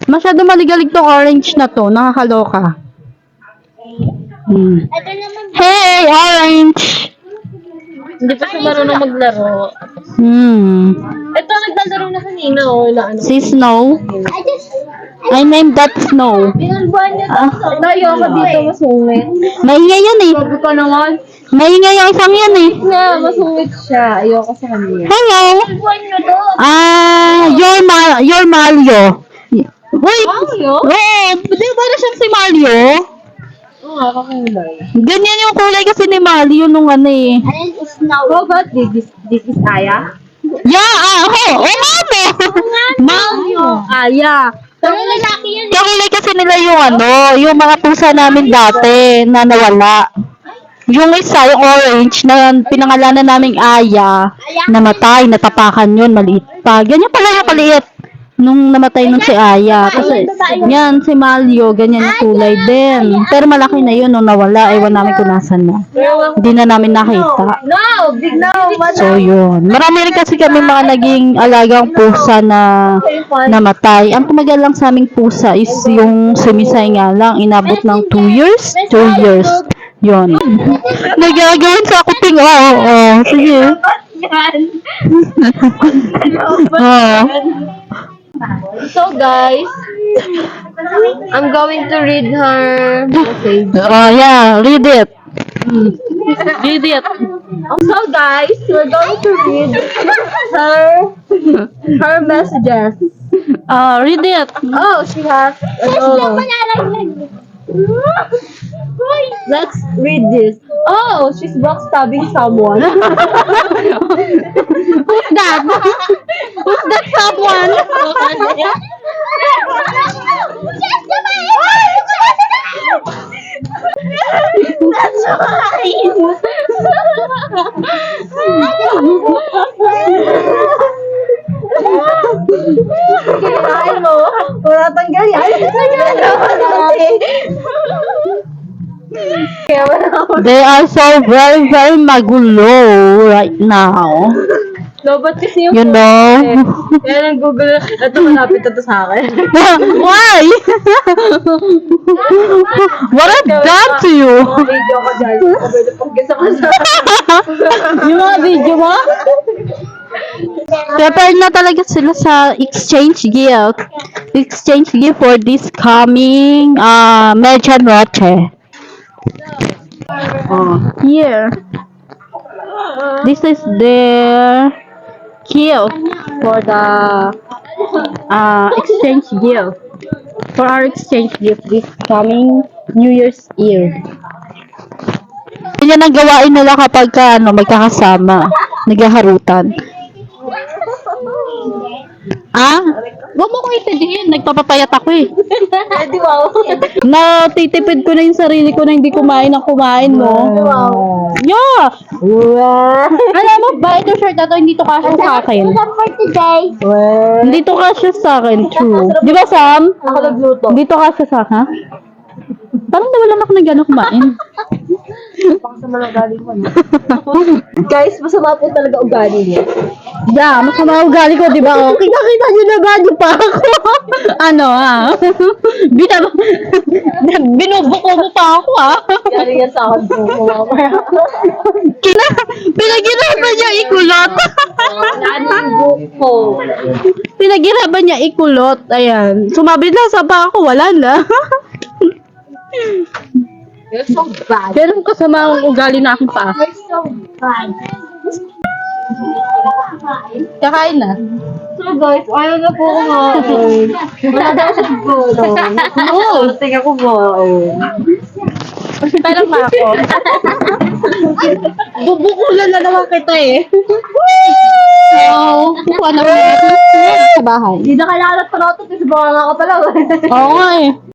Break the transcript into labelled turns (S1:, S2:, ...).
S1: Masyado maligalig tong orange na to. Nakakaloka.
S2: Ito naman.
S1: Hey, orange!
S3: Hindi pa siya marunong maglaro. Ito, naglalaro na kanina, oh. Ano.
S1: Si Snow. I named that Snow.
S3: Pinulbuhan niya to. Tayo ako dito, masungit.
S1: Maingay yan eh.
S3: Sabi ko naman,
S1: Maingay ang isang yan eh.
S3: nga, masungit siya. Ayoko sa kanya.
S1: Hello!
S2: Buwan nyo to.
S1: You're Mario. Wait!
S3: Mario?
S1: Oo, di ba na siyang si Mario?
S3: Oo nga, kakulay.
S1: Ganyan yung kulay kasi ni Mario nung ano eh.
S2: Ayan is now.
S3: How about this is Aya?
S1: Yeah, oo, mami! Mario!
S3: Aya.
S2: Pero lalaki yan.
S1: Kakulay kasi nila yung ano, yung mga pusa namin dati na nawala. Yung isa, yung orange, na pinangalanan naming Aya, namatay, natapakan yun, maliit pa. Ganyan pala yung paliit nung namatay nung si Aya. Kasi, yan, si Mario, ganyan yung kulay din. Pero malaki na yun nung nawala, ewan namin kung nasan na. Hindi na namin nakita.
S3: No! Big no!
S1: So, yun. Marami rin kasi kami mga naging alagang pusa na namatay. Ang tumagal lang sa aming pusa is yung sumisay nga lang. Inabot ng 2 years? 2 years. Yun. Nagagawin sa kuping. Oo. Sige. Oo.
S3: So guys, I'm going to read her message.
S1: Oh, yeah. Read it. Read it.
S3: So guys, we're going to read her messages.
S1: Read it.
S3: Oh, she has. Oh. Let's read this. Oh, she's backstabbing someone.
S1: Who's that? Who's that someone?
S3: Kinain mo. Wala tanggal yan. Kaya wala ako.
S1: They are so very, very magulo right now.
S3: No, but kasi yung
S1: You know?
S3: kaya nang Google, ito malapit ito sa akin.
S1: Why? What I've done to you?
S3: Video ko dyan. Pwede pag-guess ako sa...
S1: Yung mga video mo? Prepared na talaga sila sa exchange gift. Exchange gift for this coming Medianoche. Here. This is their gift for the exchange gift. For our exchange gift this coming New Year's Eve. Yan ang gawain nila kapag magkakasama, naghaharutan. Huwag mo ko itindihin. Nagpapapayat ako eh.
S3: Di ba?
S1: Natitipid ko na yung sarili ko na hindi kumain ng kumain mo. Yeah! Alam mo ba, ito shirt na to, hindi to kasya sa akin.
S2: What's up for today?
S1: Hindi to kasya sa akin, true. Di ba, Sam?
S3: Ako nagluto.
S1: Hindi to kasya sa akin, ha? Parang nawalan ako ng gano'ng kumain.
S3: Masama ng ugali ko, no? Guys, masama po talaga ugali niya.
S1: Yeah, masama ang ugali ko, di ba? Oh, kita-kita nyo na ba? Di pa ako. Ano, ha? Binubuko mo pa ako, ha?
S3: Yari yan sa akin po.
S1: Pinaghirapan niya ikulot.
S3: Anong buko?
S1: Pinaghirapan niya ikulot. Ayan. Sumabit lang sa pa ako. Wala na.
S3: You're so bad.
S1: Pero kasama ang ugali na aking paa.
S2: You're so bad.
S1: Kakain na.
S3: So guys, ayaw na po kumain. Wala daw sa gulo. Oo, tingnan ko ba?
S1: Parang pa ako. Bubukulan na naman kita eh. So, kukuha na mo sa bahay.
S3: Hindi na kailangan na pala ito kasi baka nga ako talaga.
S1: Oo nga eh.